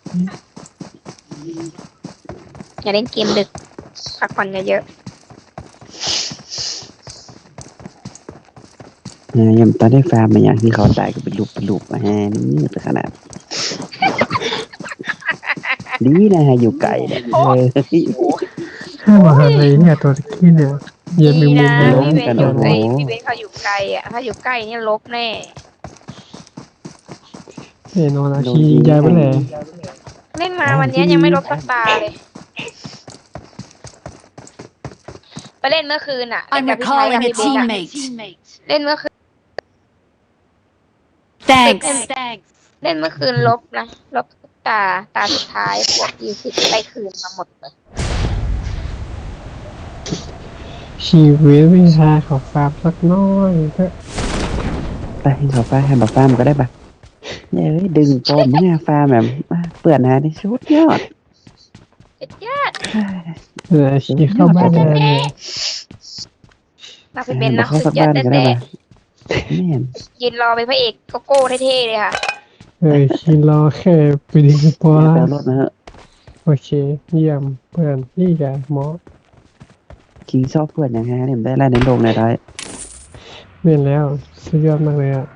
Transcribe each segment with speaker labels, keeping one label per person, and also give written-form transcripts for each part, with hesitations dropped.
Speaker 1: อย่าเล่นเกมดึกพักผ่อนเยอะ
Speaker 2: ยังตอนได้ฟาร์มมาอย่างที่เขาตายก็เป็นลูกมานี่เป็นขนาดดีนะฮะอยู่ไกลเนี่ย
Speaker 1: โอ้โห
Speaker 3: ข้ามาอะไรเนี่ยตัวตะกี้เนี่ยเย็น
Speaker 1: ดี
Speaker 3: มีมุ
Speaker 1: นะ
Speaker 3: มเลย
Speaker 1: พี่เบนอยู่
Speaker 2: โอ้โห
Speaker 1: ไกลพี่เบนเขาอยู่ไกลอ่ะถ้าอยู่ใกล้นี่ลบแน่
Speaker 3: เฮ้ยนอนอาชียายไปเลย
Speaker 1: เล่นมาวันนี้ยังไม่ลบสักตาเลยไปเล่นเมื่อคืนอ่ะ
Speaker 4: I'm
Speaker 1: เล่นกับพี่ชายกับ
Speaker 4: recalling a
Speaker 1: พี่เบนอะ
Speaker 4: teammate.
Speaker 1: เล่นเมื่อคืน
Speaker 4: Thanks.
Speaker 1: เล่นเมื่อคืนลบนะลบตาสุดท้ายบวก20ไปคืนมาหมดเลย
Speaker 3: ชีวิตวิชาขอฝากสักน้อยเถอะ
Speaker 2: ไปให้เขาฟาให้มาฟาร์มก็ได้ปะเนี่ยดึงปอมเนี่ยฟาร์มแบบเปื่อนหาในชุดยอด
Speaker 1: เจ็ดยอด
Speaker 3: อาชีเข้าบ้านเลย
Speaker 1: นักพี่เบนนะ
Speaker 2: เข้า
Speaker 1: สุ
Speaker 2: สั
Speaker 1: ด
Speaker 2: ก
Speaker 1: ยอ
Speaker 2: บ้า
Speaker 1: ด
Speaker 2: นก็
Speaker 1: แต่
Speaker 2: ได้ปะแม่น
Speaker 1: ยืนรอเป็นพระเอกโกโก้เท่ๆเลยค่ะ
Speaker 3: คิดรอแค่ไปดึงปอ
Speaker 2: แปลรถมาเหอะ
Speaker 3: โอเคเยี่ยมเพื่อนพี่แกหมอ
Speaker 2: คิงชอบเพื่อนอย่างฮะเนี่ยได้ไล่ในโลกในได้
Speaker 3: เรียนแล้วสุดยอดมากเลยอ่ะ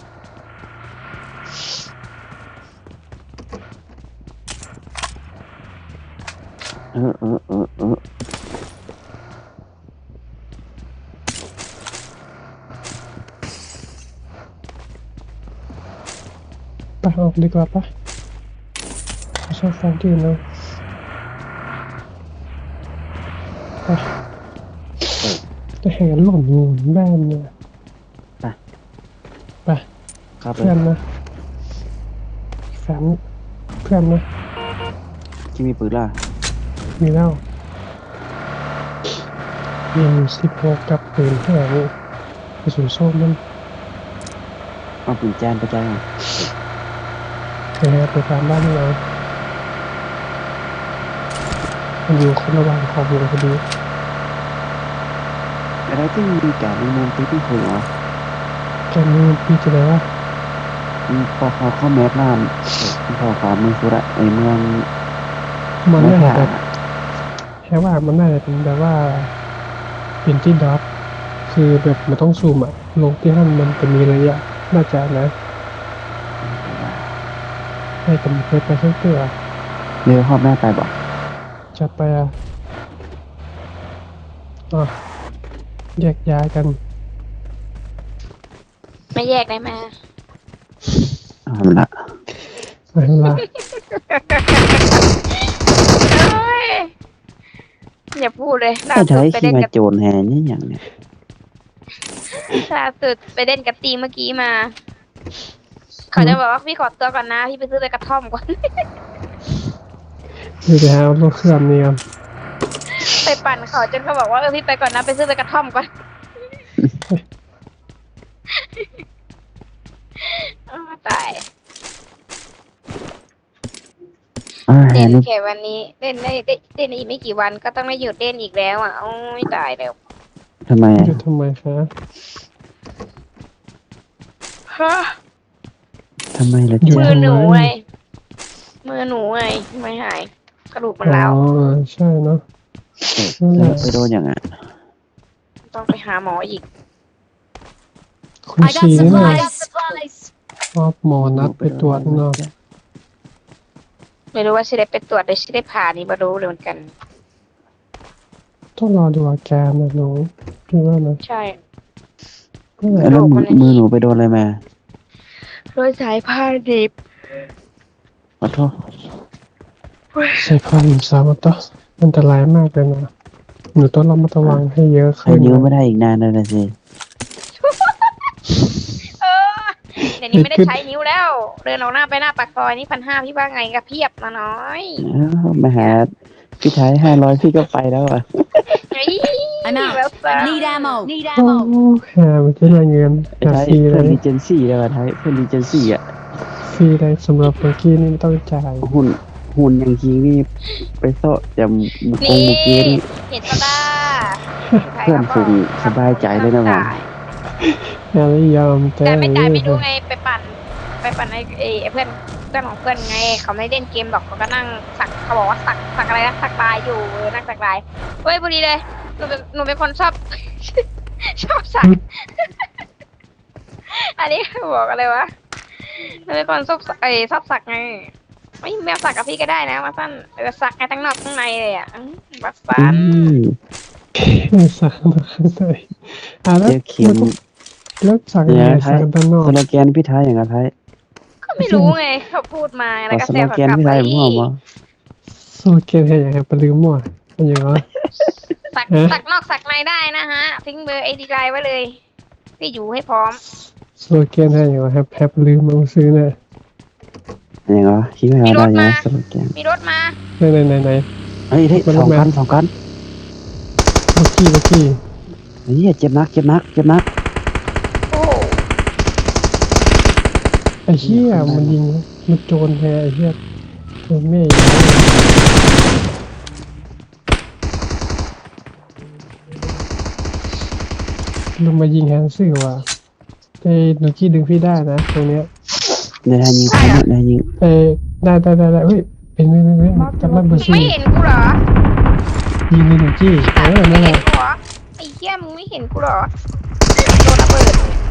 Speaker 2: เออ
Speaker 3: ไปออกดีกว่าปะชอบฟังที่เนาะไปจะแห่หล่นงูแม่เนี่ยไป
Speaker 2: ครับ
Speaker 3: เพื่อนนะแฟนเพื่อนนะ
Speaker 2: ที่มีปืนล่ะ
Speaker 3: มีแล้วยิง16กับปืนแห้งกระสุนส้มมัน
Speaker 2: เอาปืนแจนไปใจอ่ะ
Speaker 3: ไปตามบ้านเรามันอยู่คนระหว่างขอบวงพอดี
Speaker 2: อะไรที่มีแก่ในเมืองที่ที่คุยเหรอ
Speaker 3: แกมีพี่จะได้ว่า
Speaker 2: พอเขาเข้าแมสล่ามพอขอเมืองสุระไอเมือง
Speaker 3: มันน่าจะแบบแค่ว่ามันน่าจะเป็นแบบว่าเป็นที่ดรอปคือแบบมันต้องซูมอะลงที่นั่นมันจะมีระยะน่าจะนะให้แต่เคยไปเชื่อเตือ
Speaker 2: เรือหอบแม่ไปบอก
Speaker 3: จัดไปอ่ะแยกย้ายกัน
Speaker 1: ไม่แยกได้ไหม
Speaker 2: เอาละ
Speaker 3: ไปละ
Speaker 1: เอ้ยอย่าพูดเลยล่า
Speaker 2: ก็
Speaker 1: สุ
Speaker 2: ใช้
Speaker 1: ดไป
Speaker 2: ขี้
Speaker 1: เล่น
Speaker 2: มา
Speaker 1: กับ
Speaker 2: โจรแฮนี่อย่างเนี้ย
Speaker 1: ล่าสุดไปเล่นกับตีเมื่อกี้มา เขาจะบอกว่าพี่ขอตัวก่อนนะพี่ไปซื้อไปกระท่อมก่อน
Speaker 3: อยู่ไปหารถเครื่องนี่กัน
Speaker 1: ไปปั่นเขาจนเขาบอกว่าพี่ไปก่อนนะไปซื้อไปกระท่อมก่อนตาย
Speaker 2: แฮ
Speaker 1: เล่น
Speaker 2: นี่
Speaker 1: แค่วันนี้เล่นได้เล่นอีกไม่กี่วันก็ต้องไม่หยุดเล่นอีกแล้วอ่ะโอ้ยตายแล้ว
Speaker 2: ทำไม
Speaker 3: อยู่ทำไมคะ
Speaker 1: ฮะ
Speaker 2: ทำไมล่ะ
Speaker 1: มื
Speaker 2: จ๊ะ
Speaker 1: อหนูไงมือหนูไงไม่หายกระดูกมันร้าว
Speaker 3: ใช่เนาะ
Speaker 2: ไปโดนอย่างอ่ะ
Speaker 1: ต้องไปหาหมออีก
Speaker 3: คุณ
Speaker 4: I
Speaker 3: ชี
Speaker 4: got
Speaker 3: นี่นะ
Speaker 4: supplies.
Speaker 3: ชอบหมอนัดไปตรวจเนาะ
Speaker 1: ไม่รู้ว่าชิได้ไปตรวจหรือชิได้ผ่านี่มารู้เลยเหมือนกัน
Speaker 3: ต้องรอดูอาการนะหนูพี่ว่านะ
Speaker 1: ใช่
Speaker 2: แล้วมือหนูไปโดนอะไรมา
Speaker 1: โดยสายผ้าดิบ
Speaker 2: ขอโทษ
Speaker 3: ใส่ผ้าหนุ่มสาวต่ออันตรายมากเลยนะหนูต้องระมัดระวังให้เยอะ
Speaker 2: ใคร
Speaker 3: ขึ้น
Speaker 2: ยืมไม่ได้อีกนานเลยนะสิ
Speaker 1: เดี๋ยวนี้ไม่ได้ใช้นิ้วแล้ว เดินออกหน้าไปหน้าปากซอยนี่1,500พี่ว่าไงก็เพียบมาน้อย
Speaker 2: มาหาพี่ไทย500พี่ก็ไปแล้วอ่ะ
Speaker 4: I'm
Speaker 1: แล้ว
Speaker 4: out.
Speaker 1: จ้า
Speaker 4: Need ammo. Need
Speaker 3: โอ้
Speaker 4: ammo.
Speaker 3: หามันจะได้เงิน
Speaker 2: ไอ้
Speaker 3: หา
Speaker 2: ไทย
Speaker 3: ฟรีเล
Speaker 2: เพื่อย นรีเจนซี่แล้วไทยเพื่อนรีเจนซี่อ่ะ
Speaker 3: ฟรีเลยสำหรับเมื่อกี้นี่ไม่ต้องจ่าย
Speaker 2: หุ่นอย่างคิงนี่ไปโซ่จะมุก
Speaker 1: นี่
Speaker 2: มุกเกนี่
Speaker 1: เห็นปะล่ะ
Speaker 2: เพื่อนฝูงสบายใจเลยนะว่า
Speaker 3: งานไม่ยอม
Speaker 1: แต่ไม่จ่ายไม่รู้ไงไปปั่นไอ้เพื่อนเพื่อนของเพื่อนไงเขาไม่เล่นเกมหรอกเขาก็นั่งสักเขาบอกว่าสักอะไรนะสักลายอยู่นั่งสักลายเฮ้ยพอดีเลยหนูเป็นคนชอบ ชอบสัก อันนี้บอกอะไรวะหนูเป็นคนชอบชอบสักไงไม่แมวสักกับพี่ก็ได้นะมาสั้นสักไงทั้งนอกทั้งในเลยอ่ะบัสซัน
Speaker 3: สักข้างในแล้ว
Speaker 2: เดี๋ยวเขียน
Speaker 3: แล้วสักยังไงสักกันด้านนอก
Speaker 2: สโลแกนพี่ไทยอย่างไรไทย
Speaker 1: ก็ไม่รู้ไงเขาพูดมาแล้ว
Speaker 2: ขอ
Speaker 1: ก็
Speaker 2: ส
Speaker 1: แซ
Speaker 2: โล
Speaker 1: ว
Speaker 2: แกน
Speaker 1: กลับ
Speaker 2: พี่
Speaker 1: ไป
Speaker 2: ไทยมั่วมั้ง
Speaker 3: โซเกนให้อย่างไรปลืมมั่วเป็นอย่างไร
Speaker 1: สักนอกสักในได้นะฮะทิ้งเบอร์ไอดีไลน์ไว้เลยพี่อยู่ให้พร้อม
Speaker 3: โซเกนให้อย่างไรแฮปลืมมาซื้อเนี่ย
Speaker 2: อย่างไรคิดว่าอะไรอย่างสโลแกน
Speaker 1: มีรถมา
Speaker 3: ไหน
Speaker 2: เฮ้ยสองกัน
Speaker 3: บักกี้
Speaker 2: เฮ้ยเจ็บนัก
Speaker 1: โอ้
Speaker 3: ไอ้เหี้ยมันยิงมันโจรแท้ไอ้เหี้ยโจรแม่ลงมายิงแฮนซี่ว่ะไอ้หนูกี้ดึงพี่ได้นะตรงเนี้ย
Speaker 2: ในทางยิงในยิง
Speaker 3: ได้เฮ้ยเป็นกำลัง
Speaker 1: มึ
Speaker 3: มาง สู้
Speaker 1: ไม่เห็นกูเหรอ
Speaker 3: ยิงในหนูกี้
Speaker 1: มึง
Speaker 3: นั่
Speaker 1: ไม่
Speaker 3: นแห
Speaker 1: เห็น
Speaker 3: ละ
Speaker 1: กูเหรอไอ้เหี้ยมึงไม่เห็นกูเหรอโดนระเบิด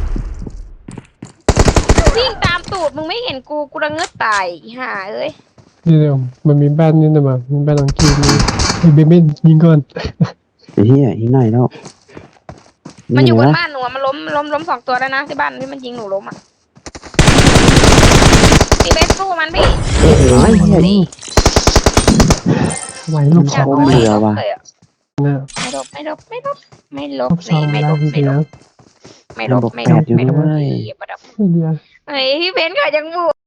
Speaker 1: วิ่งตามตูดมึงไม่เห็นกูระเงือกตายห่าเอ้ย
Speaker 3: เดี๋ยวมันมีบ้านนี่นะมั้งมีบ้านหลังกี้มีเบนยิงก่อน
Speaker 2: เฮ้ยยิงหน่อยแล้ว
Speaker 1: มันอยู่บนบ้านหนูมันล้มสองตัวแล้วนะที่บ้านที่มันยิงหนูล้มอ่ะพี่เบสสู้มันพี่
Speaker 2: ไอ้เหี้ย
Speaker 3: ไหวลูก
Speaker 1: อ
Speaker 3: ส
Speaker 1: ยา
Speaker 3: อก ง
Speaker 2: เหลือว่ะ
Speaker 1: เลยอะ
Speaker 3: นะ
Speaker 1: ไม่ลบ
Speaker 3: ลูกสอง
Speaker 1: ไม่
Speaker 3: แล้
Speaker 1: ล
Speaker 3: ว
Speaker 1: บ
Speaker 3: จริงๆนะ
Speaker 1: ไม่ลบ
Speaker 2: 8อยู่ด้วย
Speaker 3: เดียว
Speaker 1: เฮ้ยพี่เบนซ์ก็ยังบวก